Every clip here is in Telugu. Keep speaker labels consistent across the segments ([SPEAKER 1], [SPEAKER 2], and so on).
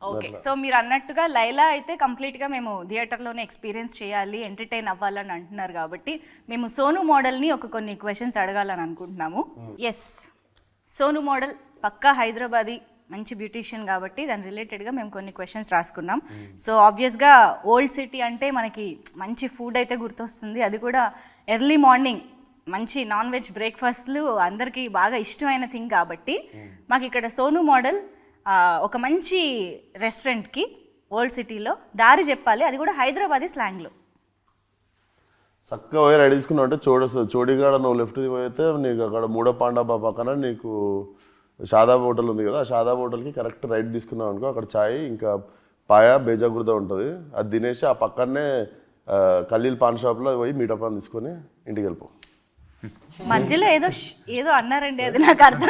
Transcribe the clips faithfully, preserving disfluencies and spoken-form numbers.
[SPEAKER 1] ఓకే, సో మీరు అన్నట్టుగా లైలా అయితే కంప్లీట్గా మేము థియేటర్లోనే ఎక్స్పీరియన్స్ చేయాలి, ఎంటర్టైన్ అవ్వాలని అంటున్నారు కాబట్టి మేము సోను మోడల్ని ఒక కొన్ని క్వశ్చన్స్ అడగాలని అనుకుంటున్నాము. ఎస్, సోను మోడల్ పక్కా హైదరాబాదీ, మంచి బ్యూటీషియన్ కాబట్టి దాని రిలేటెడ్గా మేము కొన్ని క్వశ్చన్స్ రాసుకున్నాం. సో ఆబ్వియస్గా ఓల్డ్ సిటీ అంటే మనకి మంచి ఫుడ్ అయితే గుర్తొస్తుంది, అది కూడా ఎర్లీ మార్నింగ్ మంచి నాన్ వెజ్ బ్రేక్ఫాస్ట్లు అందరికీ బాగా ఇష్టమైన థింగ్ కాబట్టి మాకు ఇక్కడ సోను మోడల్ ఒక మంచి రెస్టారెంట్కి ఓల్డ్ సిటీలో దారి చెప్పాలి, అది కూడా హైదరాబాదీ స్లాంగ్లో.
[SPEAKER 2] చక్కగా పోయి రెడీ తీసుకున్నావు అంటే చూడొస్తుంది. చోడిగాడ నువ్వు లెఫ్ట్ పోయితే నీకు అక్కడ మూడో పాండాబా పక్కన నీకు షాదాబ్ హోటల్ ఉంది కదా, షాదాబ్ హోటల్కి కరెక్ట్ రైట్ తీసుకున్నావు అనుకో, అక్కడ ఛాయ్ ఇంకా పాయా బేజాగుర్ద ఉంటుంది, అది తినేసి ఆ పక్కనే కల్లీల్ పాన్ షాప్లో పోయి మీటప్ పాన్ తీసుకొని ఇంటికి వెళ్ళిపో.
[SPEAKER 1] మధ్యలో ఏదో ఏదో అన్నారండి, అది నాకు అర్థం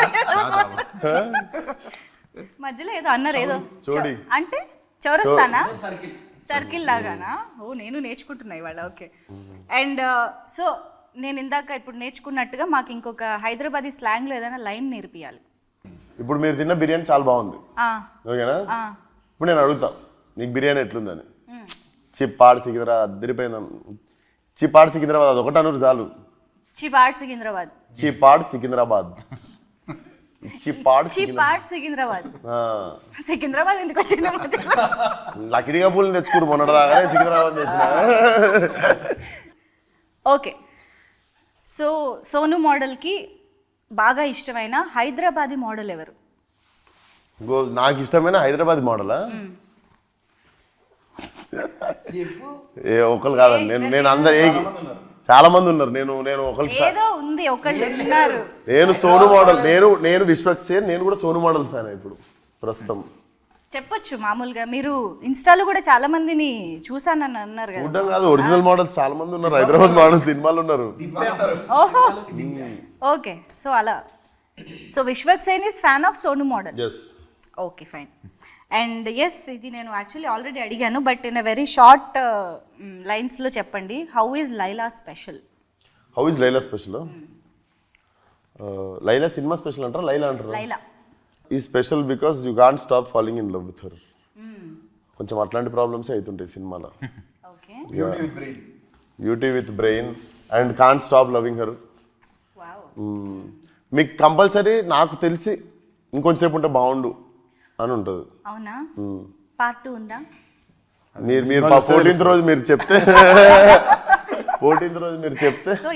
[SPEAKER 1] మధ్యలో ఏదో అన్నారు, ఏదో అంటే చౌరస్తానా, సర్కిల్ లాగానా? ఓ నేను నేర్చుకుంటున్నా ఇవాళ. ఓకే, అండ్ సో నేను ఇందాక ఇప్పుడు నేర్చుకున్నట్టుగా మాకు ఇంకొక హైదరాబాదీ స్లాంగ్లో ఏదైనా లైన్ నేర్పియాలి.
[SPEAKER 2] ఇప్పుడు మీరు తిన్న బిర్యానీ చాలా బాగుంది, ఓకేనా? ఇప్పుడు నేను అడుగుతా నీకు బిర్యానీ ఎట్లుందని. చిప్పాడు సికింద్రాబాద్ అద్దరిపోయింది, చిప్పాడు సికింద్రాబాద్ అది ఒకటి అన్నారు చాలు.
[SPEAKER 1] చిపాడ్ సికింద్రాబాద్,
[SPEAKER 2] చిపాడ్ సికింద్రాబాద్, చిపాడ్
[SPEAKER 1] చిపాడ్ సికింద్రాబాద్. సికింద్రాబాద్ ఎందుకు వచ్చింది?
[SPEAKER 2] లకిడిగా పూలు తెచ్చుకోరు మొన్నటిదాకానే సికింద్రాబాద్ తెచ్చిన.
[SPEAKER 1] ఓకే, సో సోను మోడల్కి బాగా ఇష్టమైన హైదరాబాదీ మోడల్ ఎవరు?
[SPEAKER 2] నాకు ఇష్టమైన హైదరాబాద్ మోడలా? ఏ ఒకరు కాదండి, నేను నేను అందరు చాలా మంది ఉన్నారు, నేను నేను ఒకరికి
[SPEAKER 1] ఏదో ఉంది ఒకళ్ళు ఉన్నారు.
[SPEAKER 2] నేను సోను మోడల్, నేను నేను విశ్వక్సేన్, నేను కూడా సోను మోడల్ ఫ్యాన్ ఇప్పుడు ప్రస్తుతం.
[SPEAKER 1] చెప్పొచ్చు మామూలుగా, మీరు ఇన్స్టాలో కూడా చాలా మందిని చూసానని అన్నారు కదా.
[SPEAKER 2] చూడడం కాదు, ఒరిజినల్ మోడల్స్ చాలా మంది ఉన్నారు, హైదరాబాద్ మోడల్ సినిమాలు ఉన్నారు.
[SPEAKER 1] ఓహో, ఓకే, సో అలా. So Vishwaksen is fan of Sonu model. Okay, fine. And yes, ఇది నేను యాక్చువల్లీ ఆల్రెడీ అడిగాను, but in a very short లైన్స్లో చెప్పండి, how is Laila special?
[SPEAKER 2] How is Laila special? Laila సినిమా స్పెషల్ అంటారా, లైలా అంటారా?
[SPEAKER 1] లైలా
[SPEAKER 2] ఈ special because you can't stop falling in love with her. కొంచెం అట్లాంటి ప్రాబ్లమ్స్ అవుతుంటాయి సినిమాలో.
[SPEAKER 1] Okay,
[SPEAKER 2] beauty with brain and can't stop loving her. మీకు కంపల్సరీ నాకు తెలిసి ఇంకొంచెంసేపు ఉంటే బాగుండు అని ఉంటుంది.
[SPEAKER 1] అవునా? పార్ట్ టూ ఉందా?
[SPEAKER 2] మీరు మీరు ఫోర్టీన్త్ రోజు మీరు చెప్తే ఫోర్టీన్త్ రోజు మీరు చెప్తే